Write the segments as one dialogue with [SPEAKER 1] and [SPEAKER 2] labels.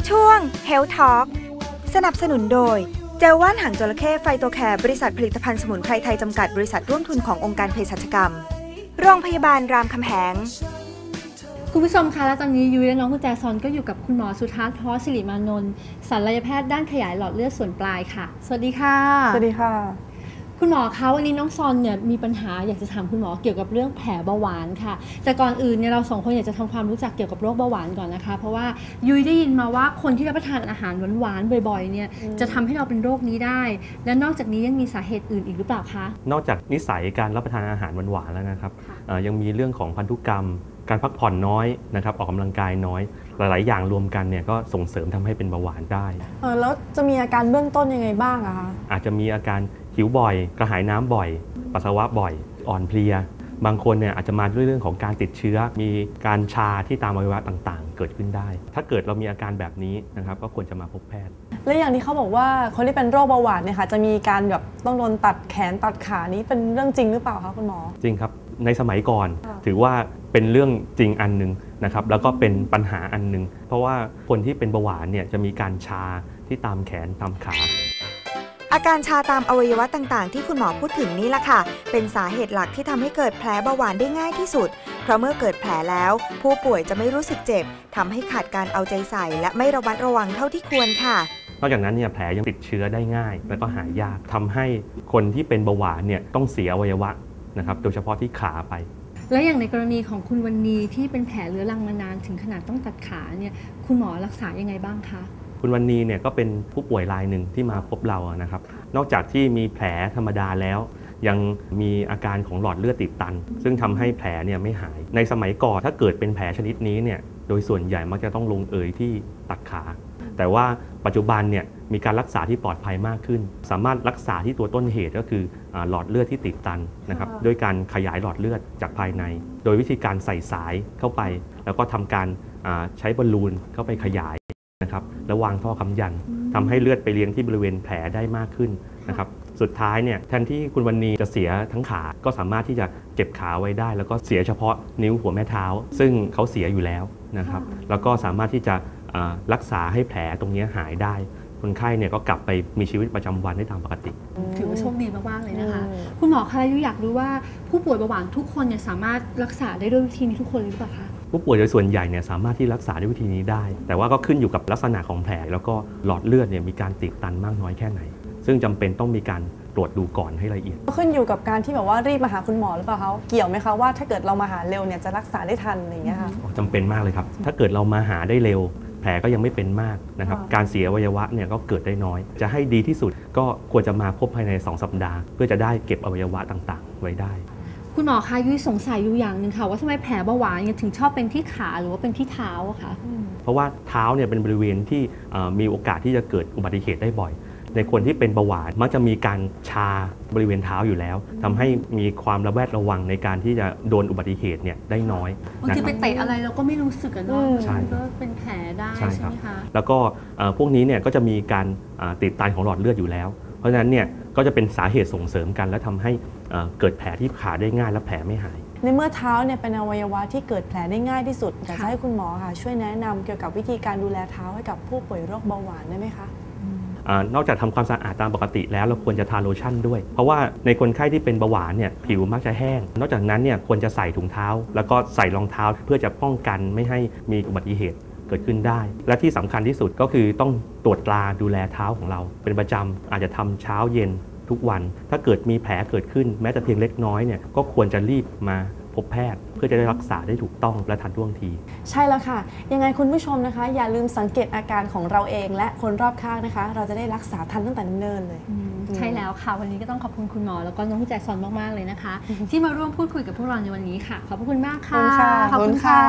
[SPEAKER 1] ช่วง Health Talk สนับสนุนโดยเจลว่านหางจระเข้ไฟโตแคร์บริษัทผลิตภัณฑ์สมุนไพรไทยจำกัดบริษัทร่วมทุนขององค์การเภสัชกรรมโรงพยาบาลรามคำแหง
[SPEAKER 2] คุณผู้ชมคะและตอนนี้ยุ้ยและน้องกุญแจซอนก็อยู่กับคุณหมอสุทัศน์ ทอศิริมานนท์ศัลยแพทย์ด้านขยายหลอดเลือดส่วนปลายค่ะสวัสดีค่ะ
[SPEAKER 3] สวัสดีค่ะ
[SPEAKER 2] คุณหมอคะวันนี้น้องซอนเนี่ยมีปัญหาอยากจะถามคุณหมอเกี่ยวกับเรื่องแผลเบาหวานค่ะแต่ก่อนอื่นเนี่ยเราสองคนอยากจะทำความรู้จักเกี่ยวกับโรคเบาหวานก่อนนะคะเพราะว่ายุ้ยได้ยินมาว่าคนที่รับประทานอาหารหวานๆบ่อยๆเนี่ยจะทำให้เราเป็นโรคนี้ได้และนอกจากนี้ยังมีสาเหตุอื่นอีกหรือเปล่าคะ
[SPEAKER 4] นอกจากนิสัยการรับประทานอาหารหวานๆแล้วนะครับยังมีเรื่องของพันธุกรรมการพักผ่อนน้อยนะครับออกกำลังกายน้อยหลายๆอย่างรวมกันเนี่ยก็ส่งเสริมทำให้เป็นเบาหวานได้
[SPEAKER 3] แล้วจะมีอาการเบื้องต้นยังไงบ้างอะคะ
[SPEAKER 4] อาจจะมีอาการหิวบ่อยกระหายน้ำบ่อยปัสสาวะบ่อยอ่อนเพลียบางคนเนี่ยอาจจะมาด้วยเรื่องของการติดเชื้อมีการชาที่ตามอวัยวะต่างๆเกิดขึ้นได้ถ้าเกิดเรามีอาการแบบนี้นะครับก็ควรจะมาพบแพทย์
[SPEAKER 3] และอย่างที่เขาบอกว่าคนที่เป็นโรคเบาหวานเนี่ยค่ะจะมีการแบบต้องโดนตัดแขนตัดขานี้เป็นเรื่องจริงหรือเปล่าคะคุณหมอ
[SPEAKER 4] จริงครับในสมัยก่อนถือว่าเป็นเรื่องจริงอันนึงนะครับแล้วก็เป็นปัญหาอันนึงเพราะว่าคนที่เป็นเบาหวานเนี่ยจะมีการชาที่ตามแขนตามขา
[SPEAKER 1] อาการชาตามอวัยวะต่างๆที่คุณหมอพูดถึงนี่แหละค่ะเป็นสาเหตุหลักที่ทำให้เกิดแผลเบาหวานได้ง่ายที่สุดเพราะเมื่อเกิดแผลแล้วผู้ป่วยจะไม่รู้สึกเจ็บทำให้ขาดการเอาใจใส่และไม่ระมัดระวังเท่าที่ควรค่ะ
[SPEAKER 4] นอกจากนั้นเนี่ยแผลยังติดเชื้อได้ง่ายและก็หายากทำให้คนที่เป็นเบาหวานเนี่ยต้องเสียอวัยวะนะครับโดยเฉพาะที่ขาไป
[SPEAKER 2] และอย่างในกรณีของคุณวรรณีที่เป็นแผลเรื้อรังมานานถึงขนาดต้องตัดขาเนี่ยคุณหมอรักษายังไงบ้างคะ
[SPEAKER 4] คุณวรรณีเนี่ยก็เป็นผู้ป่วยรายหนึ่งที่มาพบเรานะครับนอกจากที่มีแผลธรรมดาแล้วยังมีอาการของหลอดเลือดติดตันซึ่งทำให้แผลเนี่ยไม่หายในสมัยก่อนถ้าเกิดเป็นแผลชนิดนี้เนี่ยโดยส่วนใหญ่มักจะต้องลงเอยที่ตัดขาแต่ว่าปัจจุบันเนี่ยมีการรักษาที่ปลอดภัยมากขึ้นสามารถรักษาที่ตัวต้นเหตุก็คือหลอดเลือดที่ติดตันนะครับด้วยการขยายหลอดเลือดจากภายในโดยวิธีการใส่สายเข้าไปแล้วก็ทำการใช้บอลลูนเข้าไปขยายนะครับแล้ววางท่อค้ำยันทำให้เลือดไปเลี้ยงที่บริเวณแผลได้มากขึ้นนะครับสุดท้ายเนี่ยแทนที่คุณวรรณีจะเสียทั้งขาก็สามารถที่จะเก็บขาไว้ได้แล้วก็เสียเฉพาะนิ้วหัวแม่เท้าซึ่งเขาเสียอยู่แล้วนะครับแล้วก็สามารถที่จะรักษาให้แผลตรงนี้หายได้คนไข้เนี่ยก็กลับไปมีชีวิตประจำวันได้ตามปกติ
[SPEAKER 2] ถือว่าโชคดีมากๆเลยนะคะคุณหมอคะยุ้ยอยากรู้ว่าผู้ป่วยเบาหวานทุกคนเนี่ยสามารถรักษาได้ด้วยวิธีนี้ทุกคนหรือเปล่าคะ
[SPEAKER 4] ผู้ป่วยโดยส่วนใหญ่เนี่ยสามารถที่รักษาด้วยวิธีนี้ได้แต่ว่าก็ขึ้นอยู่กับลักษณะของแผลแล้วก็หลอดเลือดเนี่ยมีการตีบตันมากน้อยแค่ไหนซึ่งจำเป็นต้องมีการตรวจดูก่อนให้ละเอียด
[SPEAKER 3] ขึ้นอยู่กับการที่แบบว่ารีบมาหาคุณหมอหรือเปล่าคะเกี่ยวไหมคะว่าถ้าเกิดเรามาหาเร็วเนี่ยจะรักษาได้ทันอะไรอย่างเงี้ยค่ะ
[SPEAKER 4] จำเป็นมากเลยครับถ้าเกิดเรามาหาได้เร็วแผลก็ยังไม่เป็นมากนะครับการเสียอวัยวะเนี่ยก็เกิดได้น้อยจะให้ดีที่สุดก็ควรจะมาพบภายใน2 สัปดาห์เพื่อจะได้เก็บอวัยวะต่างๆไว้ได้
[SPEAKER 2] คุณหมอคะยุ้ยสงสัยอยู่อย่างหนึ่งค่ะว่าทำไมแผลเบาหวานถึงชอบเป็นที่ขาหรือว่าเป็นที่เท้าคะ
[SPEAKER 4] เพราะว่าเท้าเนี่ยเป็นบริเวณที่มีโอกาสที่จะเกิดอุบัติเหตุได้บ่อยในคนที่เป็นเบาหวานมักจะมีการชาบริเวณเท้าอยู่แล้วทำให้มีความระแวดระวังในการที่จะโดนอุบัติเหตุเนี่ยได้น้อย
[SPEAKER 2] บางทีไปเตะอะไรเราก็ไม่รู้สึกกันเนาะก็เป็นแผลได้ใช่ไหมคะ
[SPEAKER 4] แล้วก็พวกนี้เนี่ยก็จะมีการติดตันของหลอดเลือดอยู่แล้วเพราะฉะนั้นเนี่ยก็จะเป็นสาเหตุส่งเสริมกันและทำให้เกิดแผลที่ขาได้ง่ายและแผลไม่หาย
[SPEAKER 3] ในเมื่อเท้าเนี่ยเป็นอวัยวะที่เกิดแผลได้ง่ายที่สุดอยากจะให้คุณหมอค่ะช่วยแนะนำเกี่ยวกับวิธีการดูแลเท้าให้กับผู้ป่วยโรคเบาหวานได้ไหมคะ
[SPEAKER 4] นอกจากทำความสะอาดตามปกติแล้วเราควรจะทาโลชั่นด้วยเพราะว่าในคนไข้ที่เป็นเบาหวานเนี่ยผิวมักจะแห้งนอกจากนั้นเนี่ยควรจะใส่ถุงเท้าแล้วก็ใส่รองเท้าเพื่อจะป้องกันไม่ให้มีอุบัติเหตุเกิดขึ้นได้และที่สำคัญที่สุดก็คือต้องตรวจตราดูแลเท้าของเราเป็นประจำอาจจะทำเช้าเย็นทุกวันถ้าเกิดมีแผลเกิดขึ้นแม้แต่เพียงเล็กน้อยเนี่ยก็ควรจะรีบมาพบแพทย์เพื่อจะได้รักษาได้ถูกต้องและทันท่วงที
[SPEAKER 3] ใช่แล้วค่ะยังไงคุณผู้ชมนะคะอย่าลืมสังเกตอาการของเราเองและคนรอบข้างนะคะเราจะได้รักษาทันตั้งแต่เนิ่นเลย
[SPEAKER 2] ใช่แล้วค่ะวันนี้ก็ต้องขอบคุณคุณหมอแล้วก็น้องกุญแจซอนมากๆเลยนะคะที่มาร่วมพูดคุยกับพวกเราในวันนี้ค่ะขอบคุณมากค่ะ
[SPEAKER 3] ขอบคุณค่ะ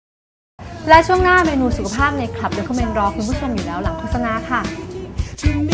[SPEAKER 2] และช่วงหน้าเมนูสุขภาพในคลับเดอะคอมเมนต์รอคุณผู้ชมอยู่แล้วหลังโฆษณาค่ะ